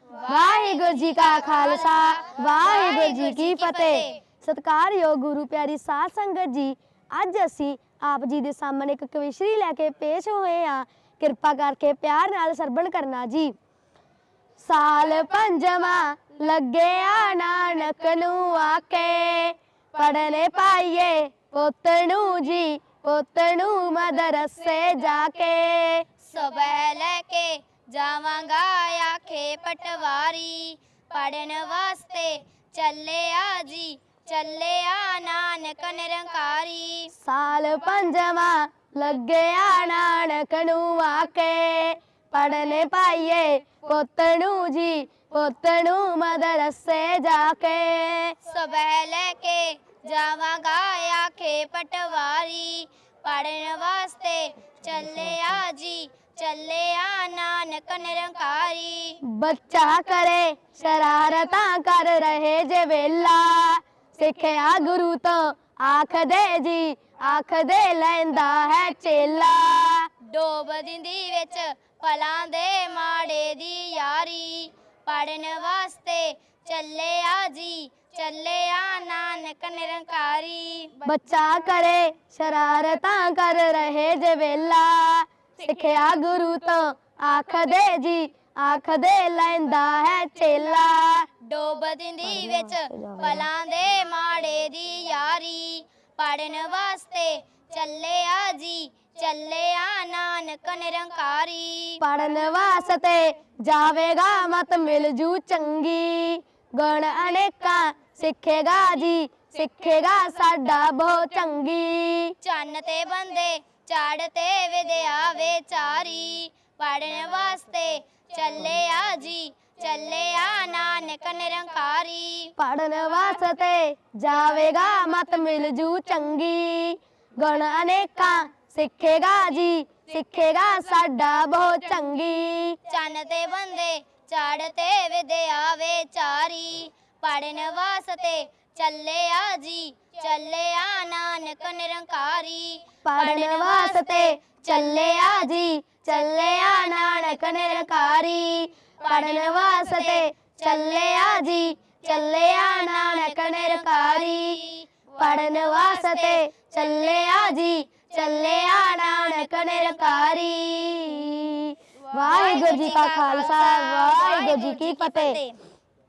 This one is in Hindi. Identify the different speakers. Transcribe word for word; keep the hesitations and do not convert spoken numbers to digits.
Speaker 1: वाहिगुरू जी का खालसा वाहिगुरू जी की फतेह। सत्कारयोग गुरु प्यारी साध संगत जी, अज असी आप जी दे सामने एक कविश्री लैके पेश होए हाँ। किरपा करके प्यार नाल सरवण करना जी। साल पंजवा लगे आ नानक नू आके, पढ़ने पाइए पुत नू जी, पुत नू मदरसे जाके।
Speaker 2: सुबह लेके जावांगा आखे पटवारी, पढ़न वास्ते चले आ जी, चले आ नानक निरंकारी।
Speaker 1: साल पंजवा लगे आ नानक नू आके, पढ़ने पाइए पुत नू जी, पुत नू मदरसे जाके।
Speaker 2: सुबह लेके जावांगा आखे पटवारी, पढ़न वास्ते चले आ जी, चले आ नानक निरंकारी।
Speaker 1: बच्चा करे शरारता कर रहे जे वेला, सिखया गुरु तो आख दे जी, आख दे लैंदा है चेला।
Speaker 2: डोब दिंदी विच भलां दे माड़े दी यारी, पढ़न वास्ते चले आ जी, चले आ नानक निरंकारी।
Speaker 1: बच्चा करे शरारता कर रहे जे वेला, सिखया गुरु तो आख दे जी, आख दे लैंदा है चेला।
Speaker 2: डोब दिंदी विच भलां दे माड़े दी यारी, पढ़न वास्ते चले आ जी, चले आ नानक निरंकारी।
Speaker 1: पढ़न वास्ते जावेगा मत मिल जू चंगी, गुण अनेका सिखेगा जी, सिखेगा साडा बहुत चंगी।
Speaker 2: चन्न ते बंदे चाड़ते विद्या विचारी, पढ़न वास्ते चले आ जी, चले आ नानक निरंकारी।
Speaker 1: पढ़न वास्ते जावेगा मत मिल जू चंगी, गुण अनेका सिखेगा जी, सिखेगा साडा बहुत चंगी।
Speaker 2: चन्न ते बंदे चाड़ते विद्या विचारी, पढ़न वास्ते चले आ जी, चले आ नानक निरंकारी।
Speaker 1: पढ़न वास्ते चले आ जी, चले आ नानक निरंकारी। पढ़न वास्ते चले आ जी, चले आ नानक निरंकारी। पढ़न वास्ते चले आ जी, चले आ नानक निरंकारी। वाहिगुरू जी का खालसा वाहिगुरू जी की फतेह।